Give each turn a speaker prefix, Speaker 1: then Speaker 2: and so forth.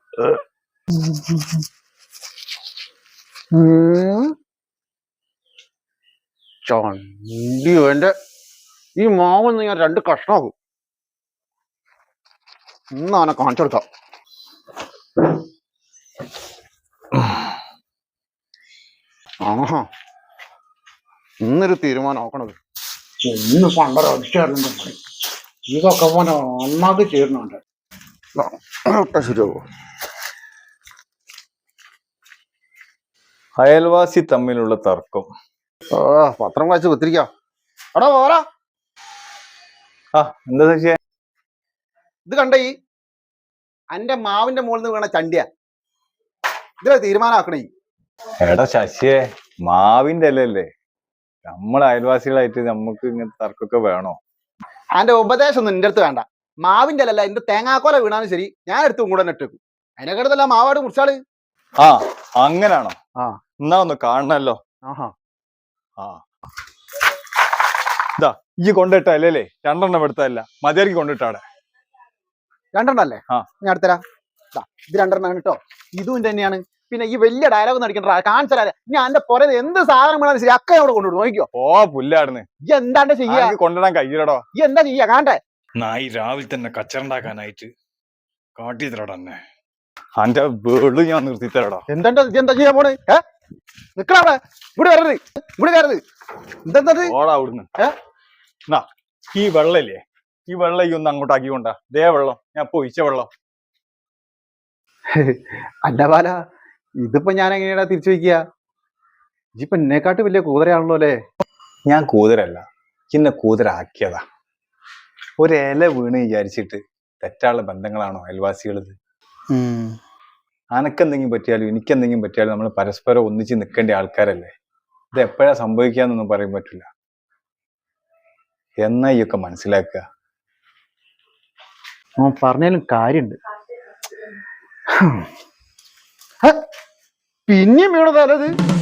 Speaker 1: ചണ്ടിയോ എന്റെ ഈ മാവൊന്ന് ഞാൻ 2 കഷ്ണമാകും. ഇന്ന് അവനെ കാണിച്ചു കൊടുക്കാം. ആഹാ, ഇന്നൊരു തീരുമാനം ആക്കണത്. ഇന്ന് പണ്ടൊരൊറ്റ പണി ഇതൊക്കെ പോലെ നന്നാക്കി ചേരുന്നുണ്ട്. ശരിയാവോ?
Speaker 2: അയൽവാസി തമ്മിലുള്ള തർക്കം.
Speaker 1: പത്രം വായിച്ച് കുത്തിരിക്കാം. എടാ പോരാ.
Speaker 2: എന്താ ശശിയെ?
Speaker 1: ഇത് കണ്ട ഈ എന്റെ മാവിന്റെ മുകളിൽ നിന്ന് വീണ ചണ്ടിയ. ഇതിലെ തീരുമാനമാക്കണേ.
Speaker 2: എടാ ശശിയെ, മാവിന്റെ അല്ലല്ലേ, നമ്മളെ അയൽവാസികളായിട്ട് നമുക്ക് ഇങ്ങനത്തെ തർക്കമൊക്കെ വേണോ?
Speaker 1: അതിന്റെ ഉപദേശം ഒന്നും എന്റെ അടുത്ത് വേണ്ട. മാവിന്റെ അല്ലല്ല, എന്റെ തേങ്ങാക്കോല വീണാലും ശരി, ഞാൻ എടുത്തും കൂടെ ഇട്ടേക്കും. അതിനെക്കാട്ടല്ല മാവാട് മുറിച്ചാള്.
Speaker 2: അങ്ങനാണോ? എന്നാ ഒന്ന് കാണണല്ലോ. ഇതാ ഈ കൊണ്ടിട്ട അല്ലേ? 2 എടുത്തല്ല, മതിയാർക്ക് കൊണ്ടിട്ടാടെ.
Speaker 1: 2 അല്ലേ? ഞാൻ എടുത്തരാ. ഇത് 2 കേട്ടോ. ഇതും തന്നെയാണ്. പിന്നെ ഈ വലിയ ഡയലോഗ് നടിക്കണ്ട, കാണിച്ചാലേ ഞാൻ എന്റെ പുറത്ത് എന്ത് സാധനം വേണാലും ശരി അക്ക അവിടെ കൊണ്ടുവിടും. നോക്കിക്കോ.
Speaker 2: പുല്ലാടുന്ന്
Speaker 1: ഈ എന്താണ്ട് ചെയ്യാ?
Speaker 2: കൊണ്ടിടാൻ കഴിയില്ലടോ.
Speaker 1: ഈ എന്താ ചെയ്യാ? കാണട്ടെ.
Speaker 2: നായി രാവിലെ തന്നെ കച്ചറുണ്ടാക്കാനായിട്ട് കാട്ടി തരടന്നെ. അന്റെ വീട് ഞാൻ നിർത്തി തരടാ.
Speaker 1: എന്താ ചെയ്യാൻ പോണ്? നിക്കടെ ഇവിടെ വരരുത്, ഇവിടെ കയറരുത്. എന്താ
Speaker 2: ഓടാ അവിടുന്ന്. ഈ വെള്ളല്ലേ, ഈ വെള്ളം ഈ ഒന്ന് അങ്ങോട്ടാക്കിക്കൊണ്ടാ. ദേ വെള്ളം, ഞാൻ പൊയിച്ച വെള്ളം.
Speaker 1: അല്ല ബാല, ഇതിപ്പോ ഞാൻ എങ്ങനെയാ തിരിച്ചു വയ്ക്കുക? ഇപ്പൊ എന്നെക്കാട്ട് വലിയ കൂതരയാണല്ലോ അല്ലേ?
Speaker 2: ഞാൻ കൂതരല്ല, ചിന്ന കൂതരാക്കിയതാ. ഒരില വീണ് വിചാരിച്ചിട്ട് തെറ്റാനുള്ള ബന്ധങ്ങളാണോ അയൽവാസികളത്? അനക്കെന്തെങ്കിലും പറ്റിയാലും എനിക്കെന്തെങ്കിലും പറ്റിയാലും നമ്മൾ പരസ്പരം ഒന്നിച്ച് നിൽക്കേണ്ട ആൾക്കാരല്ലേ. ഇത് എപ്പോഴാ സംഭവിക്കാന്നൊന്നും പറയാൻ പറ്റില്ല. എന്നാ ഈ ഒക്കെ മനസ്സിലാക്കുക.
Speaker 1: പറഞ്ഞാലും കാര്യണ്ട്. പിന്നെയും വീണതല്ലത്.